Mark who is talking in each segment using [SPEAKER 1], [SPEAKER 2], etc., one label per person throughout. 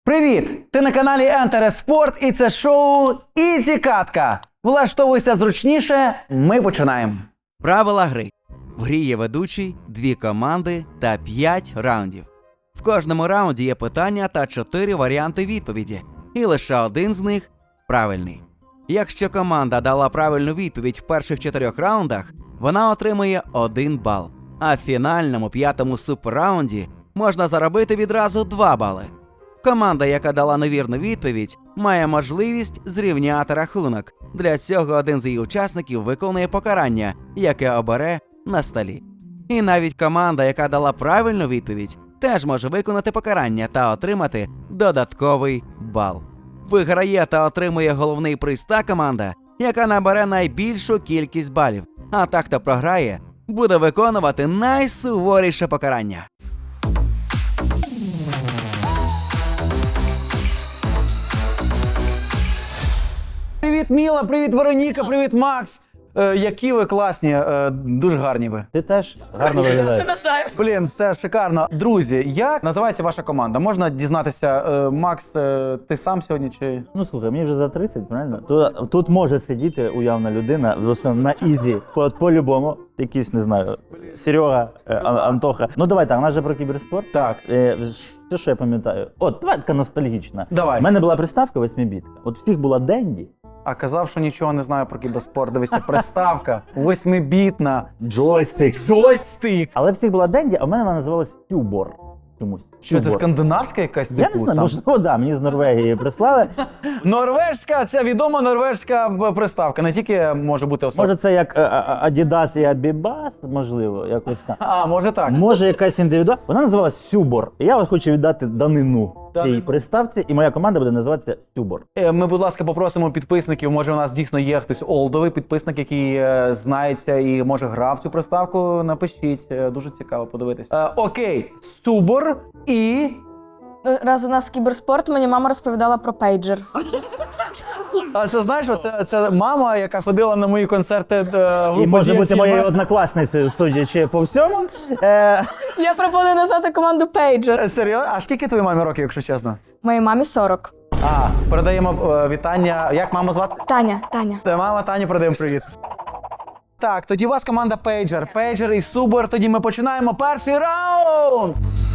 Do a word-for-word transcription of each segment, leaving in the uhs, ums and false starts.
[SPEAKER 1] Привіт! Ти на каналі Enter Sport і це шоу Ізі Катка. Влаштовуйся зручніше, ми починаємо.
[SPEAKER 2] Правила гри. В грі є ведучий, дві команди та п'ять раундів. В кожному раунді є питання та чотири варіанти відповіді, і лише один з них правильний. Якщо команда дала правильну відповідь в перших чотирьох раундах, вона отримує один бал, а в фінальному п'ятому суперраунді можна заробити відразу два бали. Команда, яка дала невірну відповідь, має можливість зрівняти рахунок. Для цього один з її учасників виконує покарання, яке обере на столі. І навіть команда, яка дала правильну відповідь, теж може виконати покарання та отримати додатковий бал. Виграє та отримує головний приз та команда, яка набере найбільшу кількість балів. А та, хто програє, буде виконувати найсуворіше покарання.
[SPEAKER 1] Привіт, Міла, привіт, Вероніка, привіт, Макс. Е, які ви класні, е, дуже гарні ви.
[SPEAKER 3] Ти теж гарно виглядаєш.
[SPEAKER 1] Блін, все шикарно. Друзі, як називається ваша команда? Можна дізнатися, е, Макс, е, ти сам сьогодні чи...
[SPEAKER 3] Ну слухай, мені вже за тридцять, правильно? Тут, тут може сидіти уявна людина, просто на ізі. По- По-любому, якийсь, не знаю, Серега, е, Ан- Антоха. Ну давай так, у нас же про кіберспорт.
[SPEAKER 1] Так.
[SPEAKER 3] Е, Це що я пам'ятаю? От, давай така ностальгічна.
[SPEAKER 1] Давай.
[SPEAKER 3] У мене була приставка восьмибітка. От всіх була Денді.
[SPEAKER 1] А казав, що нічого не знаю про кіберспорт. Дивися, приставка, восьмибітна.
[SPEAKER 3] Джойстик.
[SPEAKER 1] Джойстик.
[SPEAKER 3] Але всіх була Денді, а в мене вона називалась Тюбор. Чомусь.
[SPEAKER 1] Що це,
[SPEAKER 3] Тюбор.
[SPEAKER 1] скандинавська якась?
[SPEAKER 3] Я
[SPEAKER 1] типу,
[SPEAKER 3] не знаю,
[SPEAKER 1] там?
[SPEAKER 3] можливо, да, мені з Норвегії прислали.
[SPEAKER 1] Норвежська, це відома норвежська б- приставка, не тільки може бути особа.
[SPEAKER 3] Може це як е, е, Adidas і Abibas, можливо, якось так.
[SPEAKER 1] А, може так.
[SPEAKER 3] Може якась індивідуальна. Вона називалась Сюбор. І я от хочу віддати данину цій
[SPEAKER 1] Данину.
[SPEAKER 3] приставці, і моя команда буде називатися Сюбор.
[SPEAKER 1] Е, Ми, будь ласка, попросимо підписників, може у нас дійсно є хтось олдовий підписник, який е, знається і може грав цю приставку, напишіть, е, дуже цікаво подивитися. Е, окей, Субор і...
[SPEAKER 4] Раз у нас кіберспорт, мені мама розповідала про пейджер.
[SPEAKER 1] А це знаєш, що це, це мама, яка ходила на мої концерти е, групи
[SPEAKER 3] І може
[SPEAKER 1] «Дієфільма».
[SPEAKER 3] бути моєю однокласницею, судячи по всьому. Е,
[SPEAKER 4] Я пропоную назвати команду пейджер.
[SPEAKER 1] Е, Серйозно? А скільки твоїй мамі років, якщо чесно?
[SPEAKER 4] Моїй мамі сорок.
[SPEAKER 1] А, передаємо е, вітання. Як маму звати?
[SPEAKER 4] Таня, Таня.
[SPEAKER 1] Та мама Тані, передаємо привіт. Так, тоді у вас команда Пейджер. Пейджер і Субор. Тоді ми починаємо перший раунд.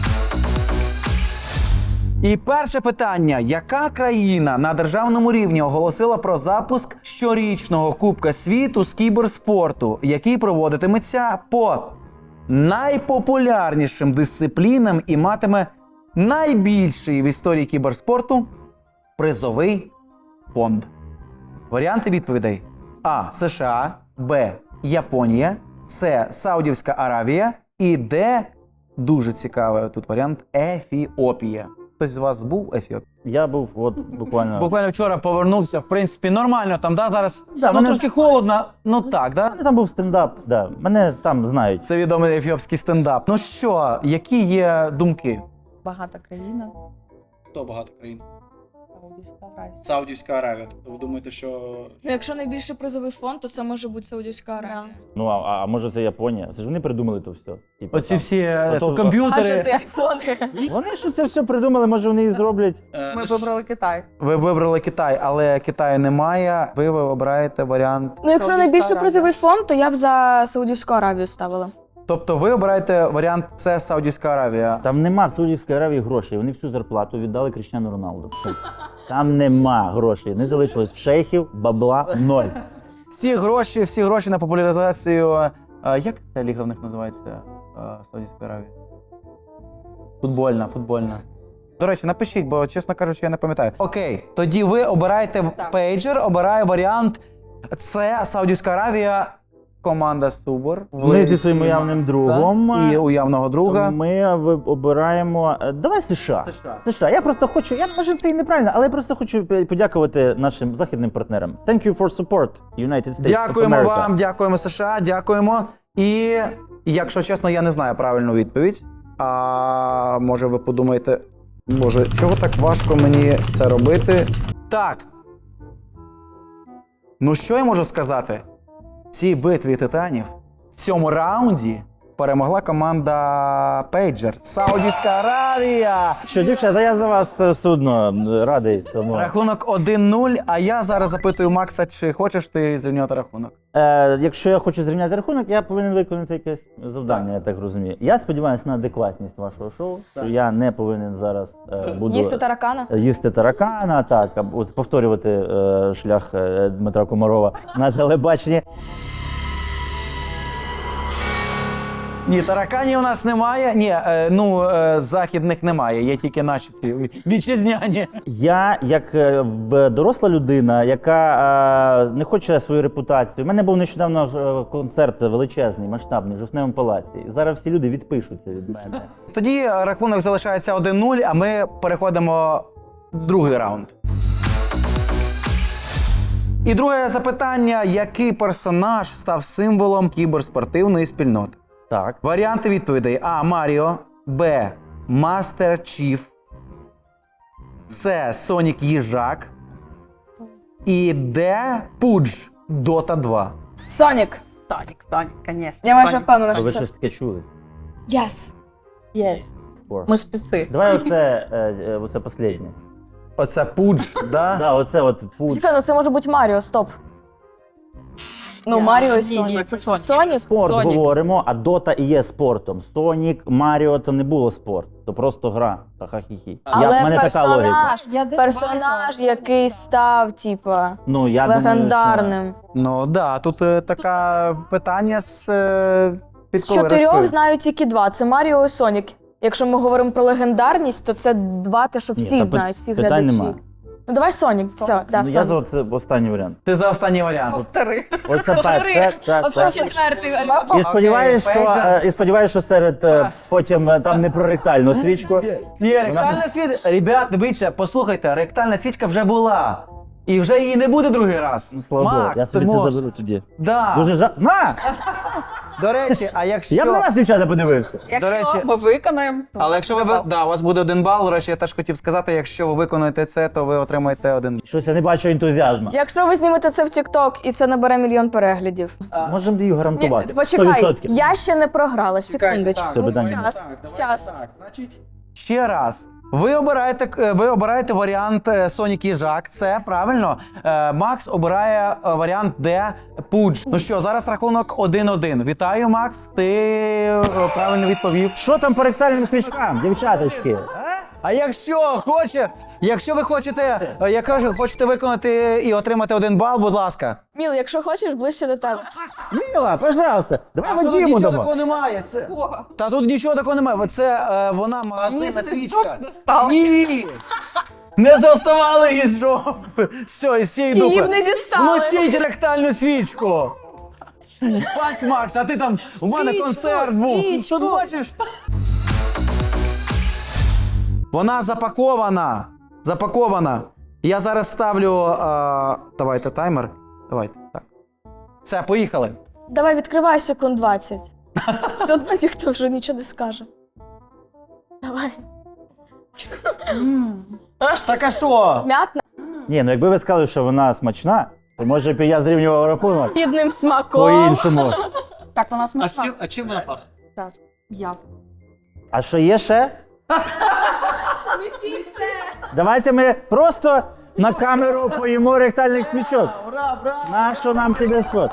[SPEAKER 1] І перше питання. Яка країна на державному рівні оголосила про запуск щорічного Кубка світу з кіберспорту, який проводитиметься по найпопулярнішим дисциплінам і матиме найбільший в історії кіберспорту призовий фонд? Варіанти відповідей: А. США, Б. Японія, С. Саудівська Аравія і Д. Дуже цікавий тут варіант Ефіопія. Хтось з вас був в Ефіопії?
[SPEAKER 3] я був от буквально.
[SPEAKER 1] Буквально вчора повернувся, в принципі, нормально там, да, зараз
[SPEAKER 3] Да,
[SPEAKER 1] ну,
[SPEAKER 3] мене-
[SPEAKER 1] трошки холодно, ну так,
[SPEAKER 3] У
[SPEAKER 1] да?
[SPEAKER 3] мене там був стендап, да. Мене там знають.
[SPEAKER 1] Це відомий ефіопський стендап. Ну що, які є думки?
[SPEAKER 5] Багата країна.
[SPEAKER 1] Хто багато країн?
[SPEAKER 5] Саудівська Аравія.
[SPEAKER 1] Саудівська Аравія. Тобто ви думаєте, що...
[SPEAKER 4] Ну, якщо найбільший призовий фонд, то це може бути Саудівська Аравія.
[SPEAKER 3] Ну, а, а може це Японія? Це ж вони придумали то все. Типу,
[SPEAKER 1] Оці
[SPEAKER 3] там.
[SPEAKER 1] всі е,
[SPEAKER 3] Ото-
[SPEAKER 1] комп'ютери...
[SPEAKER 4] Гаджети, айфони.
[SPEAKER 3] Вони ж це все придумали, може вони і зроблять.
[SPEAKER 5] Ми вибрали Китай.
[SPEAKER 1] Ви вибрали Китай, але Китаю немає. Ви, ви обираєте варіант.
[SPEAKER 4] Ну, якщо
[SPEAKER 5] Саудівська
[SPEAKER 4] найбільший
[SPEAKER 5] Аравія.
[SPEAKER 4] призовий фонд, то я б за Саудівську Аравію ставила.
[SPEAKER 1] Тобто ви обираєте варіант С Саудівська Аравія.
[SPEAKER 3] Там нема в Саудівській Аравії грошей. Вони всю зарплату віддали Кріштіану Роналду. Все. Там нема грошей. Не залишилось в шейхів, бабла ноль.
[SPEAKER 1] Всі гроші, всі гроші на популяризацію. е, Як ця ліга в них називається? е, Саудівської Аравії? Футбольна, футбольна. До речі, напишіть, бо, чесно кажучи, я не пам'ятаю. Окей, тоді ви обираєте
[SPEAKER 5] Так.
[SPEAKER 1] пейджер, обирає варіант С Саудівська Аравія, команда Субор.
[SPEAKER 3] Ми зі своїм уявним другом.
[SPEAKER 1] І уявного друга.
[SPEAKER 3] Ми ви- обираємо. е, Давай США.
[SPEAKER 1] США.
[SPEAKER 3] США. Я просто хочу. Я може це і неправильно, але я просто хочу п- подякувати нашим західним партнерам. Thank you for support, United States
[SPEAKER 1] Дякуємо
[SPEAKER 3] of America.
[SPEAKER 1] вам, дякуємо США, дякуємо. І якщо чесно, я не знаю правильну відповідь. А може ви подумаєте, боже, чого так важко мені це робити? Так. Ну що я можу сказати? В цій битві титанів, в цьому раунді перемогла команда Пейджер. Саудівська Аравія.
[SPEAKER 3] Що, дівчата, я за вас е, все одно е, радий. Тому...
[SPEAKER 1] Рахунок один нуль, а я зараз запитую Макса, чи хочеш ти зрівняти рахунок?
[SPEAKER 3] Е, якщо я хочу зрівняти рахунок, я повинен виконати якесь завдання, я так розумію. Я сподіваюся на адекватність вашого шоу, що я не повинен зараз е, буду
[SPEAKER 4] Їсти таракана?
[SPEAKER 3] їсти таракана, так, або от повторювати е, шлях е, Дмитра Комарова на телебаченні.
[SPEAKER 1] Ні, тараканів у нас немає. Ні, е, ну е, західних немає, є тільки наші ці вітчизняні.
[SPEAKER 3] Я, як е, в- доросла людина, яка е, не хоче свою репутацію. У мене був нещодавно ж, е, концерт величезний, масштабний, в Жовтневому палаці. І зараз всі люди відпишуться від мене.
[SPEAKER 1] Тоді е, рахунок залишається один нуль, а ми переходимо в другий раунд. І друге запитання: який персонаж став символом кіберспортивної спільноти?
[SPEAKER 3] Так.
[SPEAKER 1] Варіанти відповідей: А. Маріо, Б. Мастер Чіф, С. Сонік Їжак і Д. Пудж Дота два.
[SPEAKER 4] Сонік.
[SPEAKER 5] Сонік, Сонік, звісно.
[SPEAKER 4] Я майже
[SPEAKER 5] Сонік.
[SPEAKER 4] впевнена,
[SPEAKER 3] А
[SPEAKER 4] що
[SPEAKER 3] ви
[SPEAKER 4] це.
[SPEAKER 3] щось таке чули?
[SPEAKER 4] Yes.
[SPEAKER 5] Є.
[SPEAKER 3] Спор.
[SPEAKER 5] Ми спеці.
[SPEAKER 3] Давай оце, е, е, оце останнє.
[SPEAKER 1] Оце Пудж, да?
[SPEAKER 3] Да, оце от пуч.
[SPEAKER 4] Чекай, ну це може бути Маріо, стоп. Ну,
[SPEAKER 5] Я-
[SPEAKER 4] Маріо і
[SPEAKER 5] ні,
[SPEAKER 4] Сонік.
[SPEAKER 5] ні, це Сонік.
[SPEAKER 4] Сонік?
[SPEAKER 3] Спорт
[SPEAKER 5] Сонік.
[SPEAKER 3] говоримо, а Дота і є спортом. Сонік, Маріо то не було спорт, то просто гра. Ха-ха-хі-хі.
[SPEAKER 4] Але
[SPEAKER 3] Я, в мене така логіка.
[SPEAKER 4] персонаж,
[SPEAKER 5] Я десь
[SPEAKER 4] персонаж,
[SPEAKER 5] бачила.
[SPEAKER 4] який став, типа,
[SPEAKER 3] Ну, я думаю,
[SPEAKER 4] легендарним.
[SPEAKER 1] Ну да, тут е, таке питання з е,
[SPEAKER 4] З
[SPEAKER 1] підковирочкою.
[SPEAKER 4] чотирьох знаю тільки два. Це Маріо і Сонік. Якщо ми говоримо про легендарність, то це два, те, що
[SPEAKER 3] Ні,
[SPEAKER 4] всі
[SPEAKER 3] та
[SPEAKER 4] знають, всі
[SPEAKER 3] питань
[SPEAKER 4] глядачі.
[SPEAKER 3] нема.
[SPEAKER 4] Ну давай Сонік. Все, да,
[SPEAKER 3] Ну, я
[SPEAKER 4] Сонік.
[SPEAKER 3] за оце останній варіант.
[SPEAKER 1] Ти за останній варіант.
[SPEAKER 5] Повтори.
[SPEAKER 3] Оце так, так, так,
[SPEAKER 5] Оце
[SPEAKER 3] так.
[SPEAKER 5] четвертий
[SPEAKER 3] І сподіваюся,
[SPEAKER 1] Окей,
[SPEAKER 3] що,
[SPEAKER 1] Пейджер.
[SPEAKER 3] е, і сподіваюся, що серед е, потім е, там не про ректальну свічку.
[SPEAKER 1] Ні, ректальна свічка. Ребят, дивіться, послухайте, ректальна свічка вже була. І вже її не буде другий раз.
[SPEAKER 3] Ну, слава Богу,
[SPEAKER 1] Макс,
[SPEAKER 3] я
[SPEAKER 1] ти
[SPEAKER 3] собі це
[SPEAKER 1] можеш.
[SPEAKER 3] заберу тоді.
[SPEAKER 1] Да.
[SPEAKER 3] Дуже жа... На!
[SPEAKER 1] До речі, а якщо...
[SPEAKER 3] Я б на вас, дівчата, подивився.
[SPEAKER 5] Якщо
[SPEAKER 1] речі-
[SPEAKER 5] ми виконаємо, то
[SPEAKER 1] Але якщо ви...
[SPEAKER 5] буде бал.
[SPEAKER 1] Да, у вас буде один бал. До речі, я теж хотів сказати, якщо ви виконуєте це, то ви отримаєте один.
[SPEAKER 3] Щось я не бачу ентузіазму.
[SPEAKER 4] Якщо ви знімете це в TikTok і це набере мільйон переглядів.
[SPEAKER 3] Можемо її
[SPEAKER 4] Ні,
[SPEAKER 3] гарантувати.
[SPEAKER 4] почекай,
[SPEAKER 3] сто відсотків.
[SPEAKER 4] я ще не програла, секундочку.
[SPEAKER 3] Все, питання нема.
[SPEAKER 4] Щас, щас.
[SPEAKER 1] Ще раз. Ви обираєте, е, ви обираєте варіант е, Сонік Їжак, це правильно. Е, Макс обирає е, варіант Д. Пудж. Ну що, зараз рахунок один один. Вітаю, Макс. Ти е, правильно відповів.
[SPEAKER 3] Що там по ректальним свічкам, дівчаточки? А?
[SPEAKER 1] А якщо хоче, якщо ви хочете, е, я кажу, хочете виконати і отримати один бал, будь ласка.
[SPEAKER 4] Міл, якщо хочеш, ближче до тебе.
[SPEAKER 3] Міла, пожалуйста, давай
[SPEAKER 1] А що тут
[SPEAKER 3] Вадиму
[SPEAKER 1] нічого
[SPEAKER 3] дамо.
[SPEAKER 1] такого немає? Це... Та тут нічого такого немає. Це е, вона магазинна
[SPEAKER 5] Ні,
[SPEAKER 1] свічка.
[SPEAKER 5] стоп, достала.
[SPEAKER 1] Ні! Не заставали її з жопи. Все, із цієї
[SPEAKER 4] Її
[SPEAKER 1] дупи.
[SPEAKER 4] б не дістали.
[SPEAKER 1] Носіть ректальну свічку. Бач, Макс, а ти там, у мене
[SPEAKER 4] Свічку,
[SPEAKER 1] концерт був.
[SPEAKER 4] свічку.
[SPEAKER 1] Тут бачиш. Вона запакована. Запакована. Я зараз ставлю. Е, давайте таймер. Давайте. Так. Все, поїхали.
[SPEAKER 4] Давай відкривай секунд двадцять. Все одно ніхто вже нічого не скаже. Давай.
[SPEAKER 1] Так а що?
[SPEAKER 4] М'ятна.
[SPEAKER 3] Ні, ну якби ви сказали, що вона смачна, то може б і я зрівнював рахунок
[SPEAKER 4] Гідним смаком.
[SPEAKER 3] по-іншому.
[SPEAKER 5] Так, вона смачна.
[SPEAKER 1] а чим вона пахне?
[SPEAKER 5] Так, м'ята.
[SPEAKER 3] А що є ще? Давайте ми просто на камеру поїмо ректальних свічок.
[SPEAKER 1] Ура, ура!
[SPEAKER 3] Нащо нам піде спот?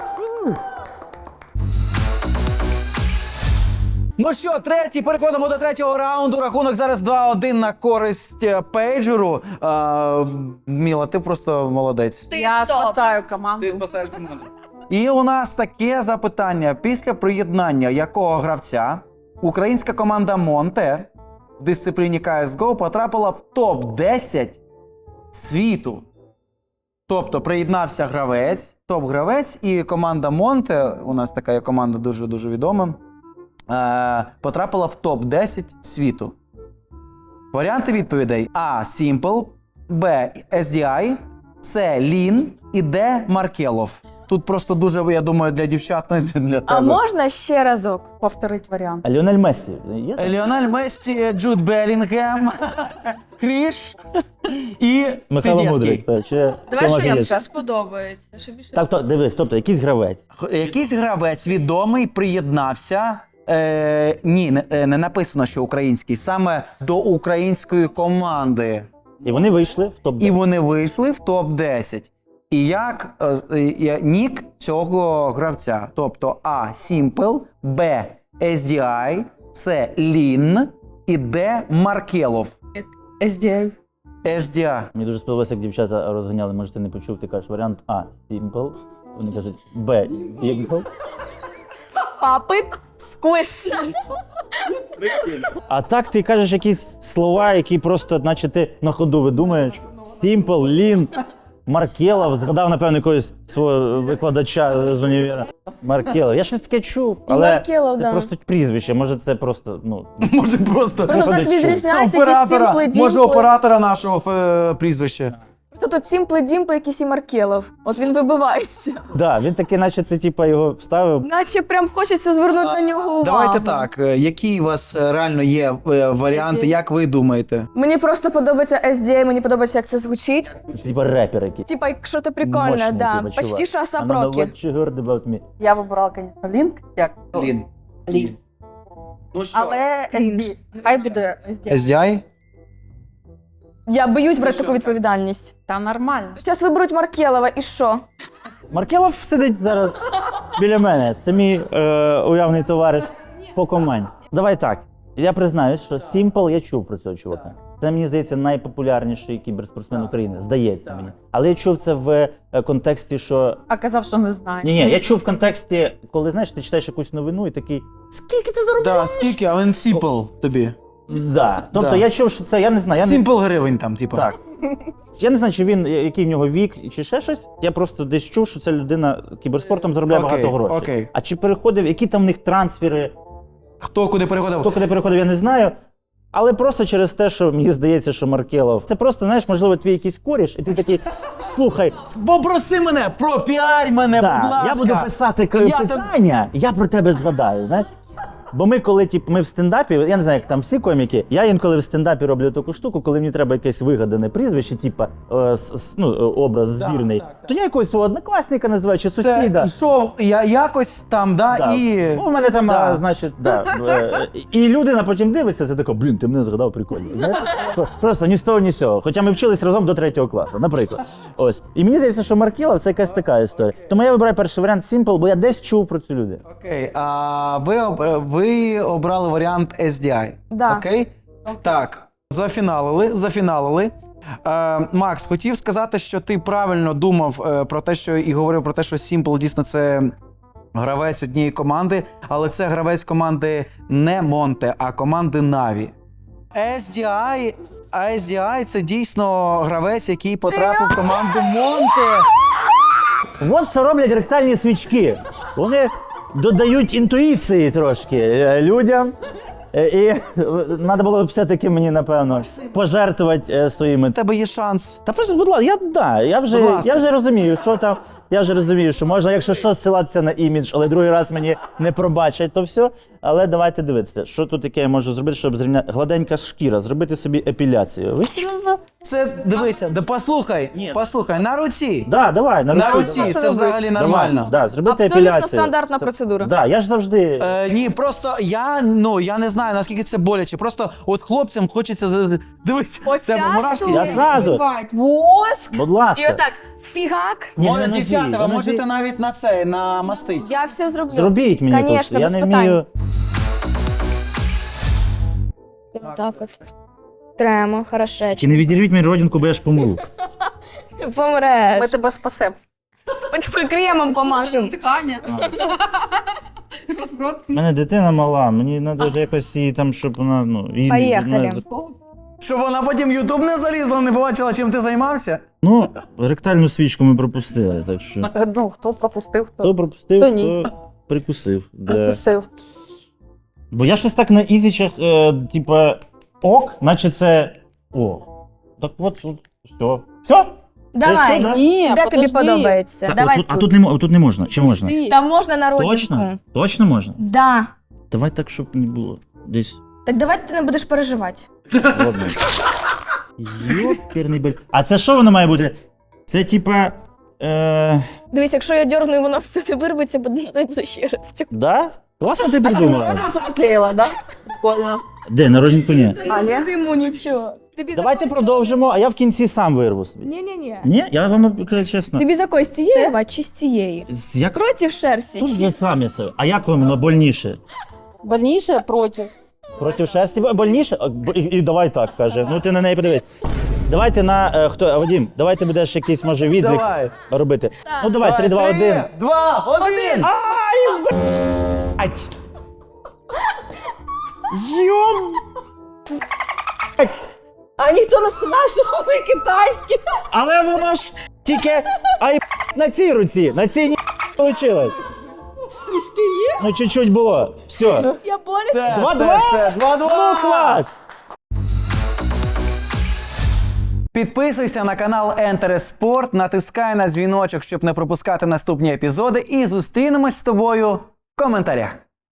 [SPEAKER 1] Ну що, третій, переходимо до третього раунду. Рахунок зараз два один на користь е, Пейджеру. Е, Міла, ти просто молодець.
[SPEAKER 5] Я спасаю команду.
[SPEAKER 1] спасаєш команду. І у нас таке запитання. Після приєднання якого гравця українська команда Монте в дисципліні Кей Ес Гоу потрапила в топ десять світу? Тобто приєднався гравець, топ-гравець, і команда Монте, у нас така є команда дуже-дуже відома, е, потрапила в топ десять світу. Варіанти відповідей: А. Simple, Б. ес ді ай, С. Лін і Д. Маркелов. Тут просто дуже, я думаю, для дівчат, не для тебе.
[SPEAKER 4] А можна ще разок?
[SPEAKER 5] Повторить варіант.
[SPEAKER 3] А Ліонель Мессі є? там?
[SPEAKER 1] Ліонель Мессі, Джуд Белінгем, Кріш і
[SPEAKER 3] Михайло
[SPEAKER 1] Федецький.
[SPEAKER 3] Мудрик. Так, чи,
[SPEAKER 5] Давай,
[SPEAKER 3] чи
[SPEAKER 5] що їм
[SPEAKER 3] Магнєт?
[SPEAKER 5] ще
[SPEAKER 4] сподобається. Що більше?
[SPEAKER 3] Так, то, дивись, тобто якийсь гравець.
[SPEAKER 1] Х- Якийсь гравець відомий приєднався Е, ні, не, е, не написано, що український, саме до української команди.
[SPEAKER 3] І вони вийшли в топ
[SPEAKER 1] І
[SPEAKER 3] десять.
[SPEAKER 1] вони вийшли в топ десять. І як е, з- е, є нік цього гравця? Тобто А. Simple, Б. ес ді ай, С. Лін і Д. Маркелов.
[SPEAKER 5] ес ді ей.
[SPEAKER 1] ес ді ай.
[SPEAKER 3] Мені дуже сподобалося, як дівчата розганяли, може ти не почув, ти кажеш варіант А Simple, вони кажуть Б Simple,
[SPEAKER 4] Папик, сквиш.
[SPEAKER 3] а так ти кажеш якісь слова, які просто, наче ти на ходу видумаєш. Simple, Лін, Маркелов, згадав, напевно, якогось свого викладача з універа. Маркелов. Я щось таке чув, але
[SPEAKER 4] Маркелов,
[SPEAKER 3] це
[SPEAKER 4] да.
[SPEAKER 3] просто прізвище, може це просто, ну,
[SPEAKER 1] Може просто
[SPEAKER 4] Просто так
[SPEAKER 3] десь чув.
[SPEAKER 4] відрізняється якісь сімпли
[SPEAKER 1] може
[SPEAKER 4] дімпли.
[SPEAKER 1] оператора нашого е, прізвища.
[SPEAKER 4] Що тут сімпли дімпли, якийсь і Маркелов. От він вибивається.
[SPEAKER 3] да, він такий, наче ти типа його вставив.
[SPEAKER 4] Наче прям хочеться звернути на нього увагу.
[SPEAKER 1] Давайте так, е, які у вас е, реально є е, варіанти,
[SPEAKER 5] ес ді ей.
[SPEAKER 1] як ви думаєте?
[SPEAKER 4] Мені просто подобається ес ді ей, мені подобається, як це звучить.
[SPEAKER 3] Типа репер якийсь.
[SPEAKER 4] Типа, якщо ти прикольне,
[SPEAKER 3] Мощний,
[SPEAKER 4] да.
[SPEAKER 3] типа,
[SPEAKER 4] Почти
[SPEAKER 3] чувак.
[SPEAKER 4] що
[SPEAKER 3] I
[SPEAKER 4] Асап
[SPEAKER 3] don't know
[SPEAKER 4] Рокі.
[SPEAKER 3] what you heard about me.
[SPEAKER 5] Я вибирала, звісно, Лінк. Як?
[SPEAKER 1] Лін.
[SPEAKER 5] Лін.
[SPEAKER 1] Ну що?
[SPEAKER 5] Але ес ді ей. Хай буде ес ді ей.
[SPEAKER 1] ес ді ай?
[SPEAKER 4] Я боюсь брати таку відповідальність.
[SPEAKER 5] Та нормально.
[SPEAKER 4] Зараз виберуть Маркелова, і що?
[SPEAKER 3] Маркелов сидить зараз біля мене. Це мій е, уявний товариш по команді. Давай так. Я признаюсь, що Simple я чув про цього чувака. Це, мені здається, найпопулярніший кіберспортсмен України. Здається мені. Але я чув це в е, контексті, що.
[SPEAKER 5] А казав, що не знає.
[SPEAKER 3] Ні, ні, я чув в контексті, коли знаєш, ти читаєш якусь новину і такий. Скільки ти заробляєш?
[SPEAKER 1] Да, скільки, а він сімпл тобі.
[SPEAKER 3] Да. Тобто
[SPEAKER 1] Да.
[SPEAKER 3] я чув, що це, я не знаю. Я не...
[SPEAKER 1] Сімпл гривень там, типу.
[SPEAKER 3] Так. Я не знаю, чи він, який в нього вік, чи ще щось. Я просто десь чув, що ця людина кіберспортом заробляє
[SPEAKER 1] Окей,
[SPEAKER 3] багато грошей.
[SPEAKER 1] окей.
[SPEAKER 3] А чи переходив, які там в них трансфери,
[SPEAKER 1] Хто куди переходив?
[SPEAKER 3] хто куди переходив, я не знаю. Але просто через те, що мені здається, що Маркелов. Це просто, знаєш, можливо, твій якийсь коріш, і ти такий, слухай,
[SPEAKER 1] Попроси мене, пропіарь мене, будь
[SPEAKER 3] да,
[SPEAKER 1] ласка.
[SPEAKER 3] я буду писати
[SPEAKER 1] Я
[SPEAKER 3] я питання, я про тебе згадаю, знаєш. Бо ми, коли тип, ми в стендапі, я не знаю, як там всі коміки, я інколи в стендапі роблю таку штуку, коли мені треба якесь вигадане прізвище, типа е, с- с- ну, е, образ збірний,
[SPEAKER 1] так, так.
[SPEAKER 3] то я якогось свого однокласника називаю чи
[SPEAKER 1] Це
[SPEAKER 3] сусіда.
[SPEAKER 1] йшов я якось там, да,
[SPEAKER 3] Да.
[SPEAKER 1] і...
[SPEAKER 3] Ну, у мене там,
[SPEAKER 1] Да.
[SPEAKER 3] а, значить, да. е, І людина потім дивиться, це така, блін, ти мене згадав, прикольно. Знаєте? Просто ні з того, ні з цього. Хоча ми вчились разом до третього класу, наприклад. Ось. І мені здається, що Маркелов це якась така історія. Тому я вибираю перший варіант Simple, бо я десь чув про цю людину.
[SPEAKER 1] Окей, а ви, об- ви обрали варіант ес ді ай.
[SPEAKER 4] Да.
[SPEAKER 1] Окей? Так, зафіналили, зафіналили. Е, Макс, хотів сказати, що ти правильно думав е, про те, що і говорив про те, що Simple дійсно це гравець однієї команди, але це гравець команди не Монте, а команди Na'Vi. ес ді ай, а ес ді ай це дійсно гравець, який потрапив в команду Монте.
[SPEAKER 3] От що роблять ректальні свічки. Вони додають інтуїції трошки е, людям. Е, І треба було б все-таки мені, напевно, пожертвувати е, своїми.
[SPEAKER 1] У тебе є шанс.
[SPEAKER 3] Та просто, будь ласка, я, да, я, вже,
[SPEAKER 1] Будь ласка.
[SPEAKER 3] я вже розумію, що там. Я вже розумію, що можна, якщо що, ссилатися на імідж, але другий раз мені не пробачать, то все. Але давайте дивитися, що тут таке я можу зробити, щоб зрівняти. Гладенька шкіра, зробити собі епіляцію. Ви серйозно?
[SPEAKER 1] Це дивися, да послухай,
[SPEAKER 3] Ні.
[SPEAKER 1] послухай, на руці.
[SPEAKER 3] Да, давай, на,
[SPEAKER 1] На
[SPEAKER 3] руці,
[SPEAKER 1] руці,
[SPEAKER 3] давай.
[SPEAKER 1] це взагалі
[SPEAKER 3] Давай,
[SPEAKER 1] нормально.
[SPEAKER 3] да, зробити
[SPEAKER 4] Абсолютно
[SPEAKER 3] епіляцію.
[SPEAKER 4] стандартна
[SPEAKER 3] Це-
[SPEAKER 4] процедура.
[SPEAKER 3] Да, я ж завжди.
[SPEAKER 1] Е, ні, просто я, ну, я не знаю, наскільки це боляче. Просто от хлопцям хочеться, е, дивись,
[SPEAKER 4] Оця
[SPEAKER 1] це мурашки.
[SPEAKER 4] штука.
[SPEAKER 3] Я зразу.
[SPEAKER 5] Бать, воск.
[SPEAKER 3] Будь ласка.
[SPEAKER 4] І отак, фігак.
[SPEAKER 3] Ні,
[SPEAKER 1] Може,
[SPEAKER 3] на нозі,
[SPEAKER 1] дівчата,
[SPEAKER 3] на
[SPEAKER 1] ви
[SPEAKER 3] нозі.
[SPEAKER 1] можете навіть на це, на мастить.
[SPEAKER 4] Я все зроблю.
[SPEAKER 3] Зробіть мені
[SPEAKER 4] Конечно,
[SPEAKER 3] тут.
[SPEAKER 4] без
[SPEAKER 3] Я не
[SPEAKER 4] питань.
[SPEAKER 3] вмію.
[SPEAKER 4] Так от. Тремо, хорошечко.
[SPEAKER 3] Чи не відірвіть мені родинку, бо я ж помру.
[SPEAKER 4] Помреш.
[SPEAKER 5] Ми тебе спасемо.
[SPEAKER 4] Ми тебе кремом помажемо.
[SPEAKER 5] Дихання. Рот.
[SPEAKER 3] У мене дитина мала, мені треба якось її там, щоб вона, ну, її
[SPEAKER 4] Поїхали.
[SPEAKER 3] не-
[SPEAKER 1] Щоб вона потім Ютуб не залізла, не побачила, чим ти займався.
[SPEAKER 3] Ну, ректальну свічку ми пропустили, так що.
[SPEAKER 5] Ну, хто пропустив, хто
[SPEAKER 3] Хто пропустив,
[SPEAKER 5] Хто
[SPEAKER 3] хто,
[SPEAKER 5] ні.
[SPEAKER 3] прикусив. Да.
[SPEAKER 5] пропустив.
[SPEAKER 3] Бо я щось так на ізічах, е, типа, ок, наче це. О. Так от, от, все. Все?
[SPEAKER 4] Давай.
[SPEAKER 3] все, да?
[SPEAKER 5] Ні,
[SPEAKER 4] Де тобі
[SPEAKER 5] подожди.
[SPEAKER 4] подобається?
[SPEAKER 3] Так,
[SPEAKER 4] Давай
[SPEAKER 3] отут, а
[SPEAKER 4] тут.
[SPEAKER 3] тут не, мо- тут не можна. Чи можна?
[SPEAKER 5] Подожди.
[SPEAKER 4] Там можна на родинку.
[SPEAKER 3] Точно? Точно можна?
[SPEAKER 4] Да.
[SPEAKER 3] Давай так, щоб не було. Десь.
[SPEAKER 4] Так давай ти не будеш переживати.
[SPEAKER 3] Ладно. Йоперний бель. А це що воно має бути? Це типа Е,
[SPEAKER 4] Дивись, якщо я дьоргну і воно все не вирветься, буде не буде ще раз.
[SPEAKER 3] да? Класно ти придумала.
[SPEAKER 5] Наклеїла, да? Прикольно.
[SPEAKER 3] Де, на родинку ні.
[SPEAKER 5] А, ні?
[SPEAKER 4] Йому нічого. Тобі
[SPEAKER 3] Давайте продовжимо, а я в кінці сам вирву собі.
[SPEAKER 4] Ні-ні-ні.
[SPEAKER 3] Ні, я вам кажу чесно.
[SPEAKER 4] Тобі за когось цієї Ва, чи з цієї?
[SPEAKER 3] З- Як
[SPEAKER 4] Проти шерсті.
[SPEAKER 3] тут
[SPEAKER 4] чи-
[SPEAKER 3] я сам я себе. А як вам воно больніше?
[SPEAKER 5] Больніше проти.
[SPEAKER 3] Проти шерсті бо- больніше? А, бо- І, і давай так каже. Ну ти на неї подивись. Давайте на е, хто Вадим, давай ти будеш якийсь може відлік
[SPEAKER 1] Давай.
[SPEAKER 3] робити. Ну давай, три, два, один.
[SPEAKER 1] Два, один.
[SPEAKER 3] Ай, блядь! Йом!
[SPEAKER 5] А ніхто не сказав, що вони китайські.
[SPEAKER 3] Але воно ж тільки ай на цій руці, на цій ні вийшло.
[SPEAKER 5] Трішки є.
[SPEAKER 3] Ну чуть-чуть було. Все.
[SPEAKER 4] Я борюся.
[SPEAKER 1] Все,
[SPEAKER 3] Два-два?
[SPEAKER 1] все, все, два-два.
[SPEAKER 3] Ну клас!
[SPEAKER 1] Підписуйся на канал Enter Sport, натискай на дзвіночок, щоб не пропускати наступні епізоди, і зустрінемось з тобою в коментарях.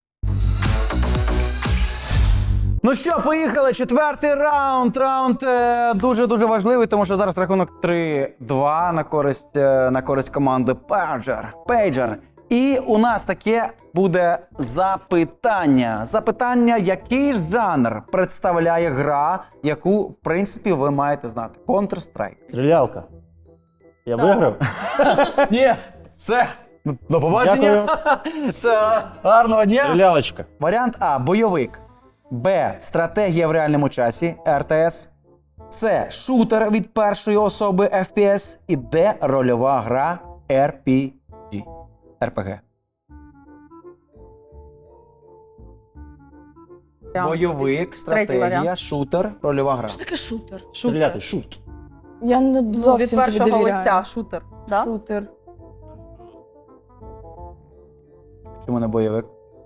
[SPEAKER 1] Ну що, поїхали. Четвертий раунд. Раунд е, дуже-дуже важливий, тому що зараз рахунок три-два на користь, е, на користь команди Pager. Pager. І у нас таке буде запитання. Запитання, який жанр представляє гра, яку, в принципі, ви маєте знати. Counter-Strike.
[SPEAKER 3] Стрілялка. Я виграв?
[SPEAKER 1] Ні, все. До побачення. Все, гарного дня.
[SPEAKER 3] Стрілялочка.
[SPEAKER 1] Варіант А – бойовик. Б – стратегія в реальному часі – ар те ес. С – шутер від першої особи еф пі ес. І Д – рольова гра ар пі джі. ар пі ге. Бойовик, стратегія,
[SPEAKER 5] варіант.
[SPEAKER 1] шутер, рольова гра.
[SPEAKER 4] Що таке шутер?
[SPEAKER 3] Стріляти, шут.
[SPEAKER 4] Я не
[SPEAKER 5] Ну,
[SPEAKER 4] зовсім
[SPEAKER 5] від першого
[SPEAKER 4] тобі довіряю.
[SPEAKER 5] лиця шутер. Да?
[SPEAKER 4] Шутер.
[SPEAKER 1] Чому не бойовик?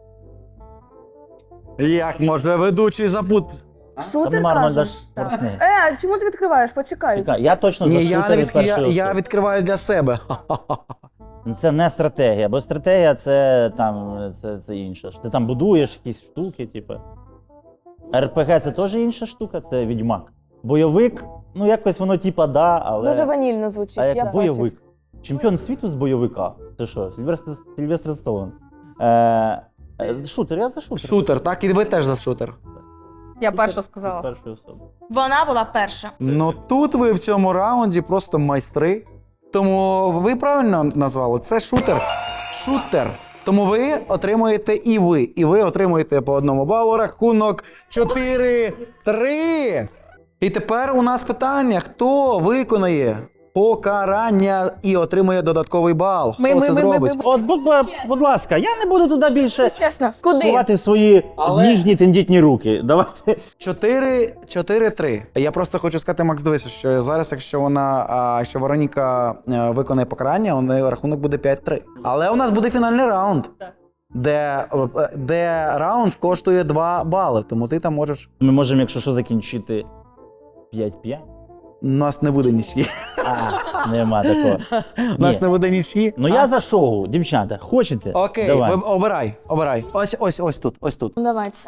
[SPEAKER 1] Як може ведучий запут?
[SPEAKER 4] Шутер,
[SPEAKER 3] Там
[SPEAKER 4] кажеш?
[SPEAKER 3] даш портни.
[SPEAKER 4] Е, чому ти відкриваєш? Почекай.
[SPEAKER 3] Чекай, я точно за
[SPEAKER 1] Ні, я,
[SPEAKER 3] шутер
[SPEAKER 1] не
[SPEAKER 3] від
[SPEAKER 1] від... я,
[SPEAKER 3] першої
[SPEAKER 1] я
[SPEAKER 3] особи.
[SPEAKER 1] відкриваю для себе.
[SPEAKER 3] Це не стратегія, бо стратегія це там це, це інше. Ти там будуєш якісь штуки, типу. ар пі ге це теж інша штука, це відьмак. Бойовик, ну якось воно типа да, але.
[SPEAKER 4] Дуже ванільно звучить.
[SPEAKER 3] А як
[SPEAKER 4] я
[SPEAKER 3] бойовик? Чемпіон світу з бойовика. Це що? Сильвестр, Сильвестр Сталлоне. Е, е, шутер, я за шутер.
[SPEAKER 1] Шутер, так? І ви теж за шутер.
[SPEAKER 5] Я перша сказала.
[SPEAKER 3] Першої особи.
[SPEAKER 4] Вона була перша.
[SPEAKER 1] Ну тут ви в цьому раунді просто майстри. Тому ви правильно назвали. Це шутер. Шутер. Тому ви отримуєте і ви. І ви отримуєте по одному балу. Рахунок чотири-три. І тепер у нас питання: хто виконає покарання і отримує додатковий бал?
[SPEAKER 5] Ми,
[SPEAKER 1] Хто
[SPEAKER 5] ми,
[SPEAKER 1] це
[SPEAKER 5] ми,
[SPEAKER 1] зробить?
[SPEAKER 5] ми,
[SPEAKER 3] От, будь, будь ласка, я не буду туди більше
[SPEAKER 4] Це чесно. Куди?
[SPEAKER 3] сувати свої
[SPEAKER 1] Але-
[SPEAKER 3] ніжні тендітні руки. Давайте.
[SPEAKER 1] Чотири, чотири-три. Я просто хочу сказати, Макс, дивися, що зараз, якщо вона, а, якщо Вероніка е, виконає покарання, у неї рахунок буде п'ять-три. Але у нас буде фінальний раунд, де, е, де раунд коштує два бали, тому ти там можеш.
[SPEAKER 3] Ми можемо, якщо що, закінчити п'ять-п'ять.
[SPEAKER 1] У нас не буде нічі.
[SPEAKER 3] А, нема такого.
[SPEAKER 1] У нас
[SPEAKER 3] Ні.
[SPEAKER 1] не буде нічі.
[SPEAKER 3] Ну я за шоу, дівчата. Хочете?
[SPEAKER 1] Окей,
[SPEAKER 3] Давай.
[SPEAKER 1] ви- обирай, обирай. Ось, ось, ось тут, ось тут.
[SPEAKER 4] Давай це.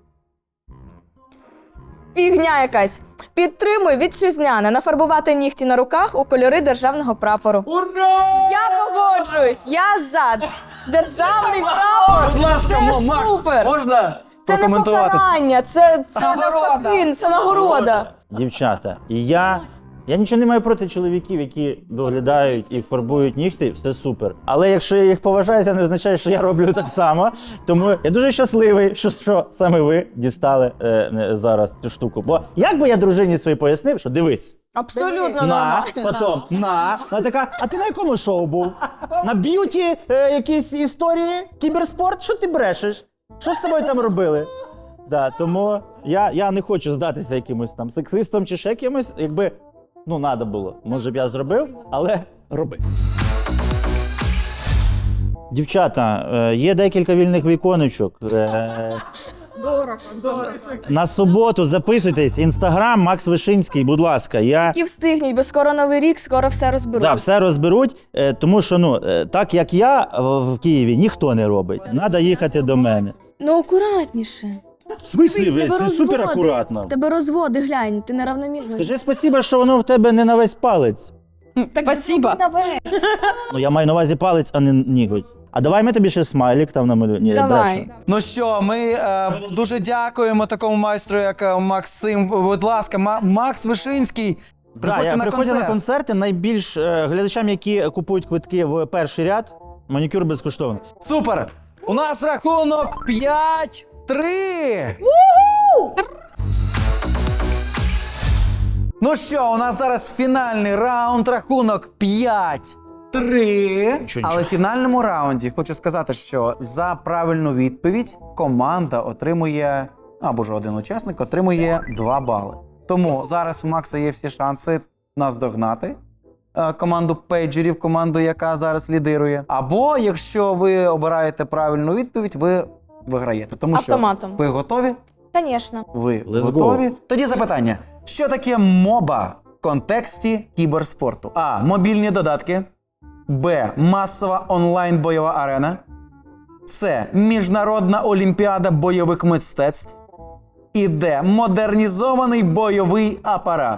[SPEAKER 4] Фігня якась. Підтримуй вітчизняне нафарбувати нігті на руках у кольори державного прапору.
[SPEAKER 1] Ура!
[SPEAKER 4] Я погоджуюсь, я за. Державний прапор.
[SPEAKER 1] Будь ласка,
[SPEAKER 4] Це
[SPEAKER 1] Мо- Макс,
[SPEAKER 4] супер.
[SPEAKER 1] можна
[SPEAKER 4] Це не
[SPEAKER 1] прокоментувати це?
[SPEAKER 4] покарання, це, це
[SPEAKER 5] Нагорода.
[SPEAKER 4] навпаки, це нагорода.
[SPEAKER 3] Дівчата, і я. Я нічого не маю проти чоловіків, які доглядають і фарбують нігті, все супер. Але якщо я їх поважаю, це не означає, що я роблю так само. Тому я дуже щасливий, що, що саме ви дістали е, е, зараз цю штуку. Бо як би я дружині своїй пояснив, що дивись,
[SPEAKER 4] Абсолютно
[SPEAKER 3] на,
[SPEAKER 4] нормально.
[SPEAKER 3] потім, на, вона така, а ти на якому шоу був? На б'юті е, якісь історії, кіберспорт? Що ти брешеш? Що з тобою там робили? Да, тому я, я не хочу здатися якимось там сексистом чи ще кимось, якби, ну, треба було. Може б я зробив, але роби. Дівчата, е, є декілька вільних віконечок. Е,
[SPEAKER 5] Дорого, дорого.
[SPEAKER 3] на суботу записуйтесь, інстаграм Макс Вишинський, будь ласка. Я...
[SPEAKER 4] І встигніть, бо скоро новий рік, скоро все розберуть.
[SPEAKER 3] Да, все розберуть, е, тому що ну е, так як я в в Києві ніхто не робить. Треба їхати до мене.
[SPEAKER 4] Ну акуратніше.
[SPEAKER 3] В смислі,
[SPEAKER 4] Дивись,
[SPEAKER 3] ви?
[SPEAKER 4] тебе
[SPEAKER 3] Це
[SPEAKER 4] розводи.
[SPEAKER 3] супер акуратно.
[SPEAKER 4] В Тебе розводи, глянь, ти неравномірно.
[SPEAKER 3] Скажи спасибо, що воно в тебе не на весь палець.
[SPEAKER 5] Спасибо.
[SPEAKER 3] Ну я маю на увазі палець, а не ніготь. А давай ми тобі ще смайлик там намалюємо. Ні,
[SPEAKER 4] Давай.
[SPEAKER 3] брешу.
[SPEAKER 1] Ну що, ми е, дуже дякуємо такому майстру, як е, Максим. Будь ласка, Ма- Макс Вишинський.
[SPEAKER 3] Да,
[SPEAKER 1] Приходьте
[SPEAKER 3] я
[SPEAKER 1] на
[SPEAKER 3] приходжу
[SPEAKER 1] концерт.
[SPEAKER 3] на концерти. Найбільш е, глядачам, які купують квитки в перший ряд, манікюр безкоштовно.
[SPEAKER 1] Супер! У нас рахунок п'ять три. Ну що, у нас зараз фінальний раунд, рахунок п'ять три.
[SPEAKER 3] Нічого,
[SPEAKER 1] Але
[SPEAKER 3] нічого.
[SPEAKER 1] в фінальному раунді хочу сказати, що за правильну відповідь команда отримує, або ж один учасник отримує два бали. Тому зараз у Макса є всі шанси нас догнати. е, Команду пейджерів, команду, яка зараз лідирує. Або якщо ви обираєте правильну відповідь, ви виграєте. Тому
[SPEAKER 4] Автоматом.
[SPEAKER 1] що ви готові?
[SPEAKER 4] Звісно.
[SPEAKER 1] Ви
[SPEAKER 3] Let's
[SPEAKER 1] готові?
[SPEAKER 3] go.
[SPEAKER 1] Тоді запитання: що таке моба в контексті кіберспорту? А. Мобільні додатки. Б. Масова онлайн-бойова арена. С. Міжнародна олімпіада бойових мистецтв. І Д. Модернізований бойовий апарат.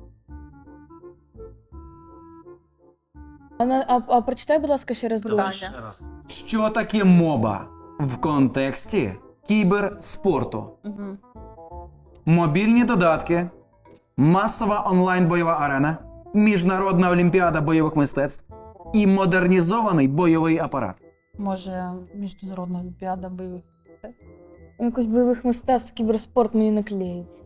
[SPEAKER 4] А, на- а, а прочитай, будь ласка, ще раз другу.
[SPEAKER 5] Питання.
[SPEAKER 1] Що таке моба в контексті кіберспорту?
[SPEAKER 5] Мгм.
[SPEAKER 1] Мобільні додатки, масова онлайн-бойова арена, міжнародна олімпіада бойових мистецтв і модернізований бойовий апарат.
[SPEAKER 5] Може, міжнародна олімпіада бойових.
[SPEAKER 4] Якось бойових мистецтв, кіберспорт мені не клеїться.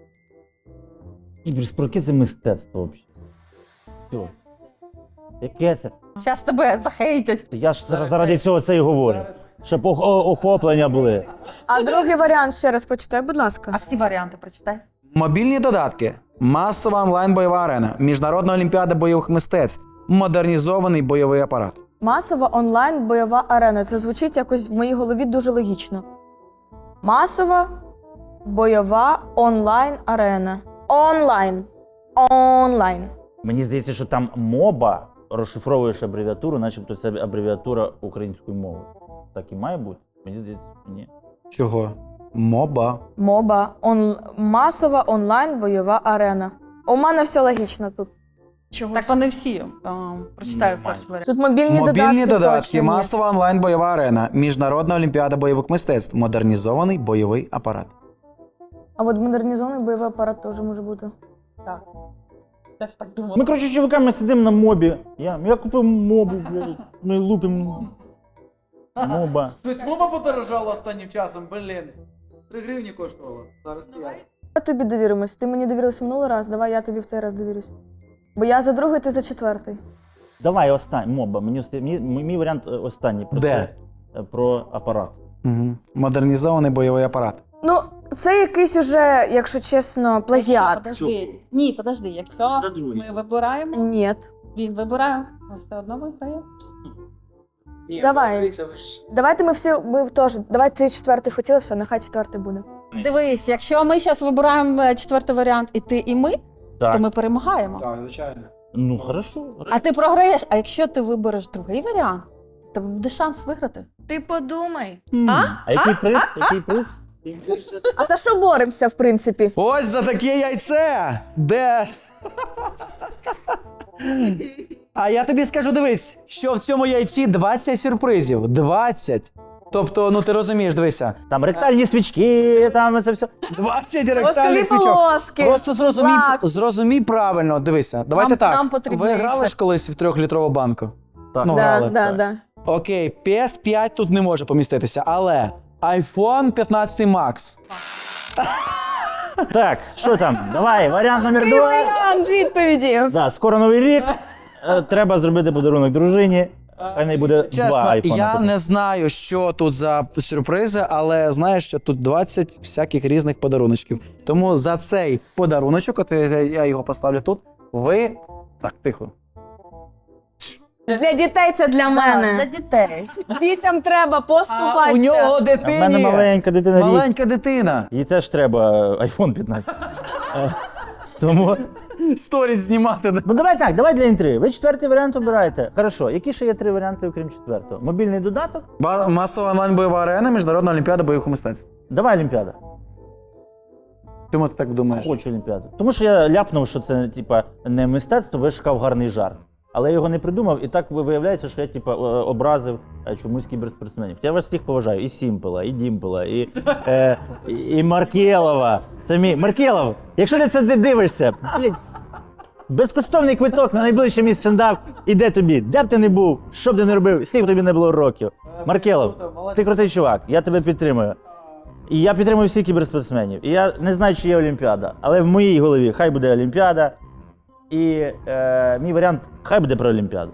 [SPEAKER 3] Кіберспорт, яке це мистецтво взагалі? Все. Яке це?
[SPEAKER 5] Зараз тебе захейтять.
[SPEAKER 3] Я ж зараз заради цього це і говорю. Щоб ох- о- охоплення були.
[SPEAKER 4] А другий варіант ще раз прочитай, будь ласка.
[SPEAKER 5] А всі варіанти прочитай.
[SPEAKER 1] Мобільні додатки, масова онлайн-бойова арена, міжнародна олімпіада бойових мистецтв, модернізований бойовий апарат.
[SPEAKER 4] Масова онлайн бойова арена. Це звучить якось в моїй голові дуже логічно. Масова бойова онлайн арена. Онлайн. Онлайн.
[SPEAKER 3] Мені здається, що там моба розшифровуєш абревіатуру, начебто це абревіатура української мови. Так і має бути? Мені здається, ні.
[SPEAKER 1] Чого? Моба.
[SPEAKER 4] Моба. Он... Масова онлайн бойова арена. У мене все логічно тут. Чого?
[SPEAKER 5] Так вони всі. А, прочитаю
[SPEAKER 3] Нормально.
[SPEAKER 5] перший варіант.
[SPEAKER 4] Тут мобільні,
[SPEAKER 1] Мобільні
[SPEAKER 4] додатки,
[SPEAKER 1] додатки,
[SPEAKER 4] точно ні.
[SPEAKER 1] масова онлайн-бойова арена, міжнародна олімпіада бойових мистецтв, модернізований бойовий апарат.
[SPEAKER 4] А от модернізований бойовий апарат теж може бути.
[SPEAKER 5] Так. Я ж так думала.
[SPEAKER 3] Ми, коротше, чуваками сидимо на мобі. Я, я купив мобу, блядь. Ми лупимо. Моба.
[SPEAKER 1] Щось мова подорожала останнім часом, блін. Три гривні коштувало, зараз п'ять.
[SPEAKER 4] Я тобі довіримось. Ти мені довірилась минулий раз, давай я тобі в цей раз довірюсь. Бо я за другий, ти за четвертий.
[SPEAKER 3] Давай останній. Моба. Мені, оста- мій, мій варіант е, останній. Про
[SPEAKER 1] Де?
[SPEAKER 3] це. Е, Про апарат.
[SPEAKER 1] Угу. Модернізований бойовий апарат.
[SPEAKER 4] Ну, це якийсь уже, якщо чесно, плагіат.
[SPEAKER 5] Подожди. Ні, подожди. Якщо
[SPEAKER 3] Це другий.
[SPEAKER 5] ми вибираємо,
[SPEAKER 4] Ні.
[SPEAKER 5] він вибирає, ми все одно виграємо.
[SPEAKER 4] Давай. Давайте ми всі, ми теж, давай ти четвертий хотіла, все, нехай четвертий буде.
[SPEAKER 5] Дивись, якщо ми зараз вибираємо е, четвертий варіант, і ти, і ми,
[SPEAKER 3] Так.
[SPEAKER 5] то ми перемагаємо.
[SPEAKER 1] Так, звичайно.
[SPEAKER 3] Ну, хорошо.
[SPEAKER 5] А ти програєш, а якщо ти вибереш другий варіант, то буде шанс виграти.
[SPEAKER 4] Ти подумай.
[SPEAKER 3] М.
[SPEAKER 5] А?
[SPEAKER 3] А який приз? Який приз?
[SPEAKER 4] А за що боремося, в принципі?
[SPEAKER 1] Ось за таке яйце! Де? А я тобі скажу, дивись, що в цьому яйці двадцять сюрпризів. двадцять. Тобто, ну ти розумієш, дивися.
[SPEAKER 3] Там ректальні свічки, там це все.
[SPEAKER 1] двадцять
[SPEAKER 4] Воскові
[SPEAKER 1] ректальних свічок.
[SPEAKER 4] полоски.
[SPEAKER 1] Просто зрозумій,
[SPEAKER 4] лак.
[SPEAKER 1] зрозумій правильно, дивися. Давайте
[SPEAKER 5] Нам-
[SPEAKER 1] так.
[SPEAKER 5] нам потрібно
[SPEAKER 1] Ви грали
[SPEAKER 5] яйце.
[SPEAKER 1] ж колись в трьохлітрову банку?
[SPEAKER 3] Так.
[SPEAKER 1] Ну,
[SPEAKER 4] Да,
[SPEAKER 1] грали.
[SPEAKER 4] да, да.
[SPEAKER 1] Окей, пі ес п'ять тут не може поміститися, але айфон п'ятнадцять Max.
[SPEAKER 3] Так, що там? Давай, варіант номер
[SPEAKER 4] Який
[SPEAKER 3] два.
[SPEAKER 4] варіант відповіді?
[SPEAKER 3] Да, скоро новий рік. Е, Треба зробити подарунок дружині. Хай не буде два
[SPEAKER 1] Чесно,
[SPEAKER 3] айфона.
[SPEAKER 1] я не знаю, що тут за сюрпризи, але знаю, що тут двадцять всяких різних подаруночків. Тому за цей подаруночок, от я я його поставлю тут, ви. Так, тихо.
[SPEAKER 4] Для дітей це для
[SPEAKER 5] Для
[SPEAKER 4] мене.
[SPEAKER 5] дітей.
[SPEAKER 4] Дітям треба
[SPEAKER 1] А у
[SPEAKER 4] поступатися.
[SPEAKER 1] нього
[SPEAKER 3] А в мене
[SPEAKER 1] дитині.
[SPEAKER 3] маленька дитина рік.
[SPEAKER 1] Маленька дитина.
[SPEAKER 3] Їй теж треба айфон п'ятнадцять. Е, Тому.
[SPEAKER 1] Сторіс знімати.
[SPEAKER 3] Ну давай так, давай для інтриги. Ви четвертий варіант обираєте. Хорошо, які ще є три варіанти, окрім четвертого? Мобільний додаток?
[SPEAKER 1] Ба- Масова онлайн бойова арена, міжнародна олімпіада бойових мистецтв.
[SPEAKER 3] Давай Олімпіада.
[SPEAKER 1] Чому ти так думаєш?
[SPEAKER 3] Хочу Олімпіаду. Тому що я ляпнув, що це типа не мистецтво, бо я шукав гарний жарт. Але я його не придумав, і так виявляється, що я типа е, образив е, чомусь кіберспортсменів. Я вас всіх поважаю. І Сімпела, і Дімпела, і, е, і, і Маркелова. Самі. Маркелов, якщо ти це дивишся, блін, безкоштовний квиток на найближчий мій стендап іде тобі. Де б ти не був, що б ти не робив, скільки б тобі не було років. Маркелов, ти крутий чувак, я тебе підтримую. І я підтримую всіх кіберспортсменів. І я не знаю, чи є Олімпіада, але в моїй голові хай буде Олімпіада. І е, мій варіант хай буде про Олімпіаду.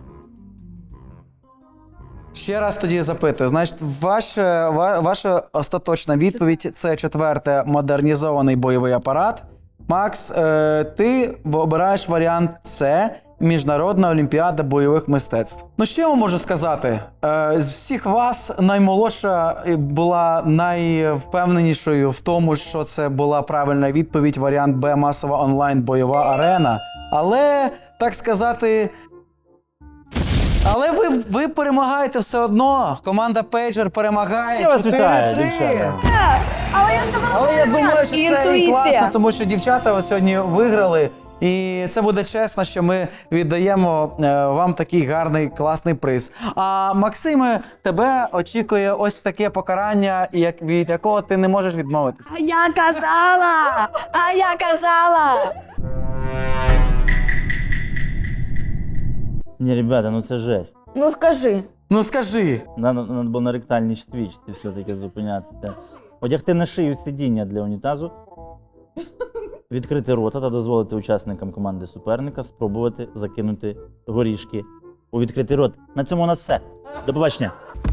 [SPEAKER 1] Ще раз тоді запитую. Значить, ваша, ва- ваша остаточна відповідь – це четверте модернізований бойовий апарат. Макс, е, ти обираєш варіант С – Міжнародна олімпіада бойових мистецтв. Ну, що я вам можу сказати? Е, з всіх вас наймолодша була найвпевненішою в тому, що це була правильна відповідь, варіант Б – масова онлайн бойова арена. Але, так сказати, але ви, ви перемагаєте все одно. Команда Пейджер перемагає.
[SPEAKER 3] Я вас вітаю,
[SPEAKER 1] чотири три.
[SPEAKER 3] дівчата.
[SPEAKER 4] Але я
[SPEAKER 1] Але я думаю, що це і
[SPEAKER 4] Інтуїція.
[SPEAKER 1] класно, тому що дівчата сьогодні виграли. І це буде чесно, що ми віддаємо е, вам такий гарний, класний приз. А Максиме, тебе очікує ось таке покарання, як, від якого ти не можеш відмовитися.
[SPEAKER 4] А я казала! А я казала!
[SPEAKER 3] Ні, ребята, ну це жесть.
[SPEAKER 4] Ну скажи.
[SPEAKER 1] Ну скажи.
[SPEAKER 3] Надо, надо було на ректальній свічці все-таки зупинятися. Одягти на шию сидіння для унітазу, відкрити рота та дозволити учасникам команди суперника спробувати закинути горішки у відкритий рот. На цьому у нас все. До побачення.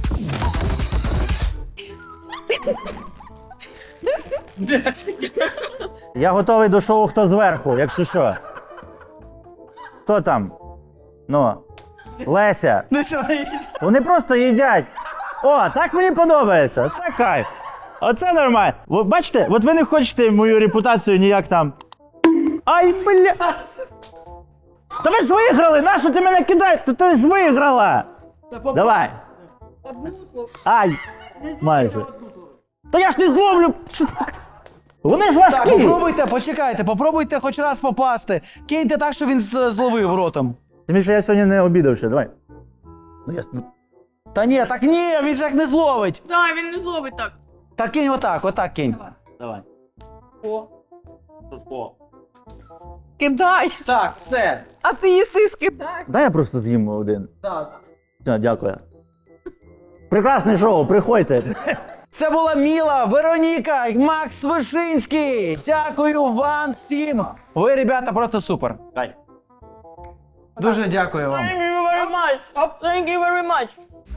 [SPEAKER 3] Я готовий до шоу «Хто зверху», якщо що. Хто там? Ну, Леся. Вони просто їдять. О, так мені подобається. Це кайф. Оце нормально. Ви бачите, от ви не хочете мою репутацію ніяк там. Ай, бля! Та ви ж виграли! Нащо ти мене кидаєш? Та ти ж виграла! Давай. Ай! Майже. Та я ж не зловлю! Що так? Вони ж
[SPEAKER 1] Так,
[SPEAKER 3] важкі!
[SPEAKER 1] попробуйте, почекайте, попробуйте хоч раз попасти. Киньте так, що він з- зловив ротом.
[SPEAKER 3] Тим більше я сьогодні не обідав ще, давай. Ну я...
[SPEAKER 1] Та ні, так ні, він же так не зловить.
[SPEAKER 5] Так, він не зловить так.
[SPEAKER 1] Так кинь отак, отак кинь.
[SPEAKER 3] Давай.
[SPEAKER 5] О.
[SPEAKER 3] О.
[SPEAKER 5] Кидай!
[SPEAKER 1] Так, все.
[SPEAKER 5] А ти їсиш кидай!
[SPEAKER 3] Дай я просто з'їм один.
[SPEAKER 1] Так.
[SPEAKER 3] Все, дякую. Прекрасне шоу, приходьте.
[SPEAKER 1] Це була Міла, Вероніка, Макс Вишинський. Дякую вам всім. Ви, ребята, просто супер.
[SPEAKER 3] Кайф.
[SPEAKER 1] Дуже дякую вам.
[SPEAKER 4] Thank you very much. Thank you very much.